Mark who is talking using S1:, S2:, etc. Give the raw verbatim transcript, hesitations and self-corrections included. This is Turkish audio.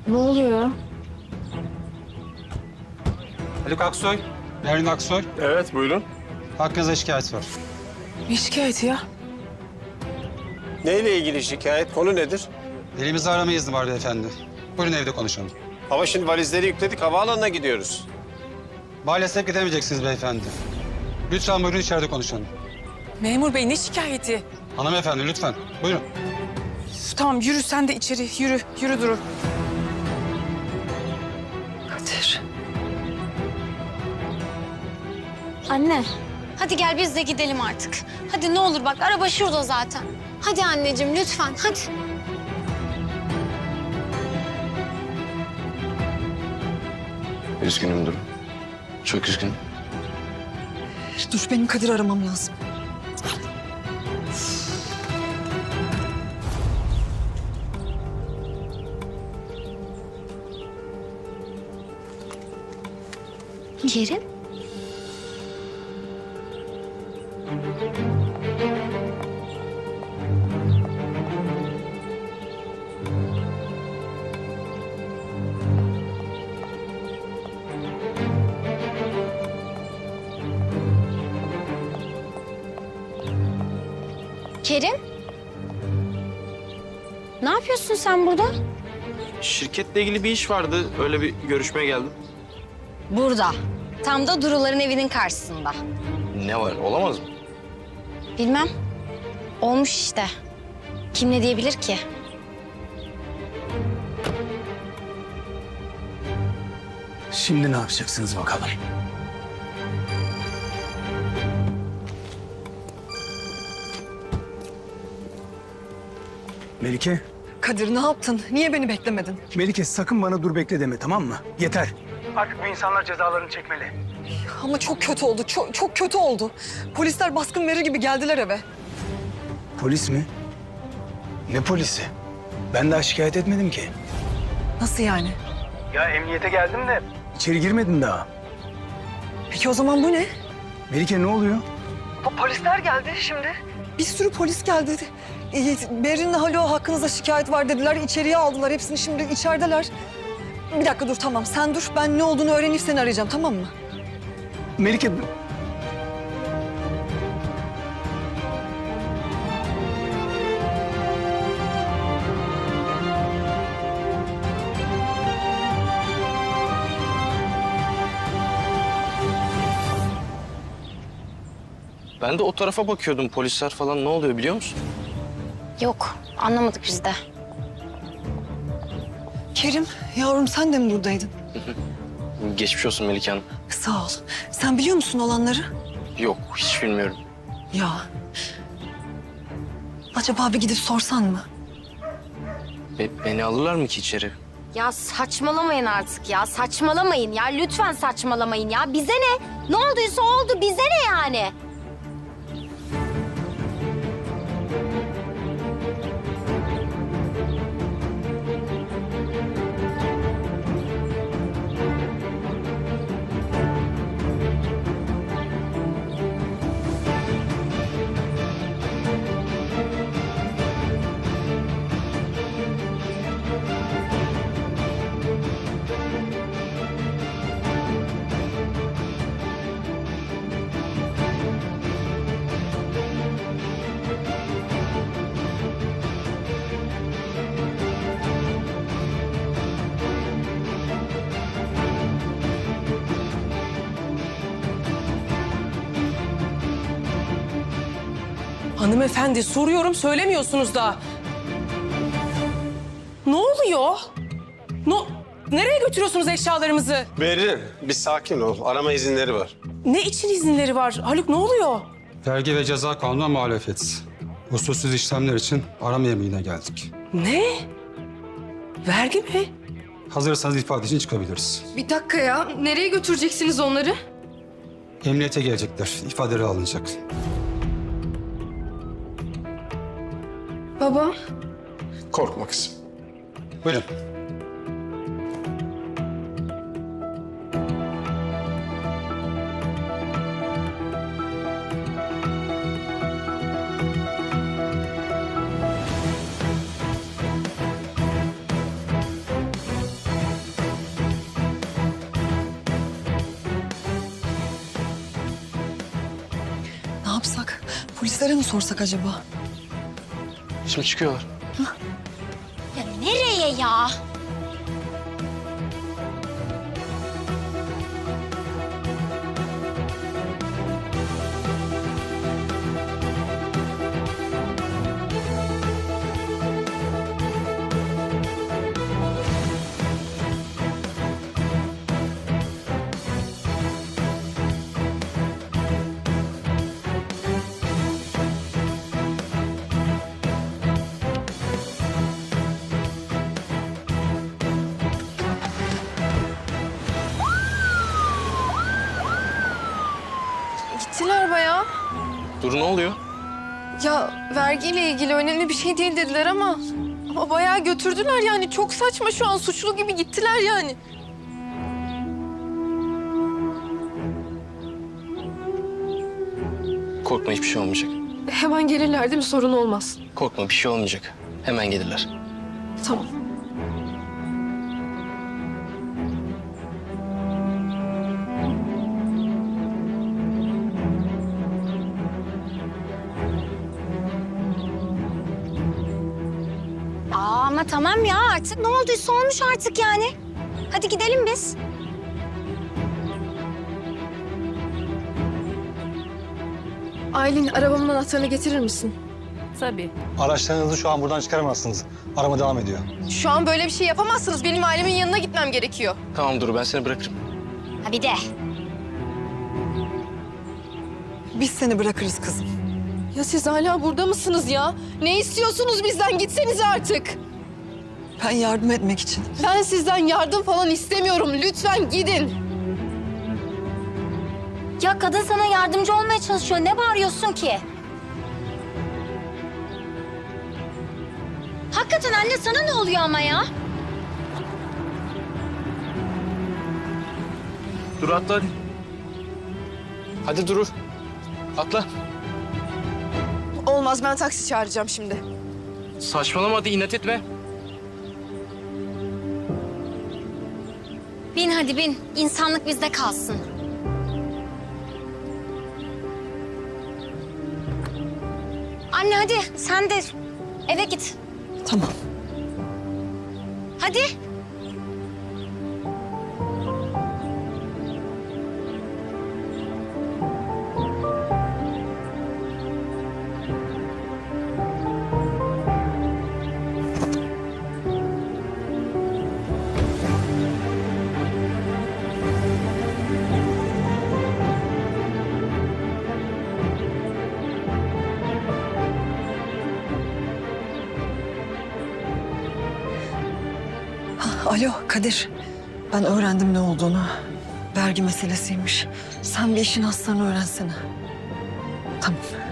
S1: Ne oluyor?
S2: Haluk Aksoy, Berin Aksoy.
S3: Evet, buyurun.
S2: Hakkınızda şikayet var.
S4: Ne şikayeti ya?
S3: Neyle ilgili şikayet? Konu nedir?
S2: Elimizde arama izni var beyefendi. Buyurun evde konuşalım.
S3: Ama şimdi valizleri yükledik, havaalanına gidiyoruz.
S2: Maalesef gidemeyeceksiniz beyefendi. Lütfen buyurun içeride konuşalım.
S4: Memur bey ne şikayeti?
S2: Hanımefendi lütfen. Buyurun.
S4: Üf, tamam yürü sen de içeri yürü. Yürü Duru. Kadir.
S1: Anne, hadi gel biz de gidelim artık. Hadi ne olur bak, araba şurada zaten. Hadi anneciğim lütfen, hadi.
S5: Üzgünüm Duru. Çok üzgünüm.
S4: Dur benim Kadir aramam lazım.
S1: Kerim? Kerim? Ne yapıyorsun sen burada?
S5: Şirketle ilgili bir iş vardı. Öyle bir görüşmeye geldim.
S1: Burada. Tam da Duru'ların evinin karşısında.
S5: Ne var? Olamaz mı?
S1: Bilmem. Olmuş işte. Kim ne diyebilir ki?
S6: Şimdi ne yapacaksınız bakalım? Melike,
S4: Kadir ne yaptın? Niye beni beklemedin?
S6: Melike sakın bana dur bekle deme, tamam mı? Yeter. Artık bu insanlar cezalarını çekmeli.
S4: Ama çok kötü oldu. Çok, çok kötü oldu. Polisler baskın verir gibi geldiler eve.
S6: Polis mi? Ne polisi? Ben daha şikayet etmedim ki.
S4: Nasıl yani?
S6: Ya emniyete geldim de. İçeri girmedin daha.
S4: Peki o zaman bu ne?
S6: Melike ne oluyor?
S4: Polisler geldi şimdi. Bir sürü polis geldi. Ee, Berin'le Halo hakkınızda şikayet var dediler. İçeriye aldılar. Hepsini şimdi içerideler. Bir dakika dur tamam. Sen dur. Ben ne olduğunu öğrenip seni arayacağım tamam mı?
S6: Melike...
S5: Ben de o tarafa bakıyordum. Polisler falan ne oluyor biliyor musun?
S1: Yok, anlamadık biz de.
S4: Kerim, yavrum sen de mi buradaydın?
S5: Geçmiş olsun Melike Hanım.
S4: Sağ ol. Sen biliyor musun olanları?
S5: Yok, hiç bilmiyorum.
S4: Ya. Acaba bir gidip sorsan mı?
S5: Be- beni alırlar mı ki içeri?
S1: Ya saçmalamayın artık ya, saçmalamayın ya. Lütfen saçmalamayın ya. Bize ne? Ne olduysa oldu, bize ne yani?
S7: Hanımefendi soruyorum söylemiyorsunuz da. Ne oluyor? No, nereye götürüyorsunuz eşyalarımızı?
S3: Berrin, bir sakin ol. Arama izinleri var.
S7: Ne için izinleri var? Haluk ne oluyor?
S2: Vergi ve ceza kanununa muhalefet. Usulsüz işlemler için arama yemeğine geldik.
S7: Ne? Vergi mi?
S2: Hazırsanız ifade için çıkabiliriz.
S8: Bir dakika ya. Nereye götüreceksiniz onları?
S2: Emniyete gelecekler. İfadeleri alınacak.
S8: Baba.
S3: Korkma kızım.
S2: Buyurun.
S4: Polislere mi sorsak acaba?
S5: Şimdi çıkıyorlar.
S1: Ya nereye ya?
S8: Gittiler bayağı.
S5: Dur ne oluyor?
S8: Ya vergiyle ilgili önemli bir şey değil dediler ama... Ama bayağı götürdüler yani. Çok saçma şu an. Suçlu gibi gittiler yani.
S5: Korkma hiçbir şey olmayacak.
S8: Hemen gelirler değil mi? Sorun olmaz.
S5: Korkma bir şey olmayacak. Hemen gelirler.
S8: Tamam.
S1: Aa, ama tamam ya artık ne olduysa olmuş artık yani. Hadi gidelim biz.
S8: Aylin arabamın anahtarını getirir misin?
S9: Araçlarınızı şu an buradan çıkaramazsınız. Arama devam ediyor.
S8: Şu an böyle bir şey yapamazsınız. Benim ailemin yanına gitmem gerekiyor.
S5: Tamam Duru ben seni bırakırım.
S1: Ha bir de.
S4: Biz seni bırakırız kızım.
S8: Ya siz hala burada mısınız ya? Ne istiyorsunuz bizden? Gitsenize artık.
S4: Ben yardım etmek için.
S8: Ben sizden yardım falan istemiyorum. Lütfen gidin.
S1: Ya kadın sana yardımcı olmaya çalışıyor. Ne bağırıyorsun ki? Hakikaten anne sana ne oluyor ama ya?
S5: Duru atla hadi. Hadi Duru. Atla.
S8: Olmaz, ben taksi çağıracağım şimdi.
S5: Saçmalama hadi inat etme.
S1: Bin hadi bin. İnsanlık bizde kalsın. Anne hadi sen de eve git.
S4: Tamam.
S1: Hadi.
S4: Alo Kadir. Ben öğrendim ne olduğunu. Vergi meselesiymiş. Sen bir işin aslını öğrensene. Tamam.